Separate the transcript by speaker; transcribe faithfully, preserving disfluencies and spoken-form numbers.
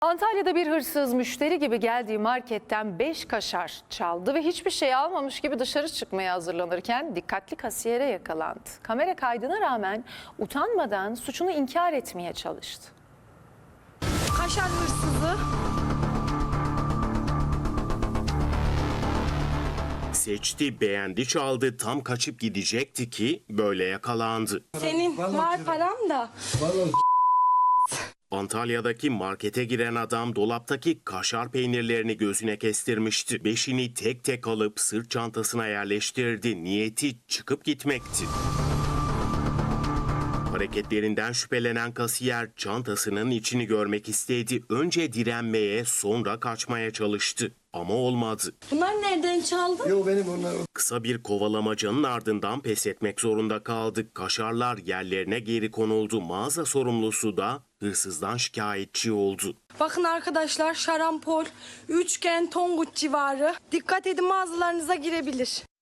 Speaker 1: Antalya'da bir hırsız müşteri gibi geldiği marketten beş kaşar çaldı ve hiçbir şey almamış gibi dışarı çıkmaya hazırlanırken dikkatli kasiyere yakalandı. Kamera kaydına rağmen utanmadan suçunu inkar etmeye çalıştı.
Speaker 2: Kaşar hırsızı.
Speaker 3: Seçti, beğendi, çaldı, tam kaçıp gidecekti ki böyle yakalandı.
Speaker 2: Senin var param da.
Speaker 3: Antalya'daki markete giren adam dolaptaki kaşar peynirlerini gözüne kestirmişti. Beşini tek tek alıp sırt çantasına yerleştirdi. Niyeti çıkıp gitmekti. Hareketlerinden şüphelenen kasiyer çantasının içini görmek istedi. Önce direnmeye, sonra kaçmaya çalıştı. Ama olmadı.
Speaker 2: Bunlar nereden çaldın?
Speaker 4: Yok benim onlar.
Speaker 3: Kısa bir kovalamacanın ardından pes etmek zorunda kaldık. Kaşarlar yerlerine geri konuldu. Mağaza sorumlusu da hırsızdan şikayetçi oldu.
Speaker 2: Bakın arkadaşlar, şarampol, üçgen, Tonguç civarı. Dikkat edin, mağazalarınıza girebilir.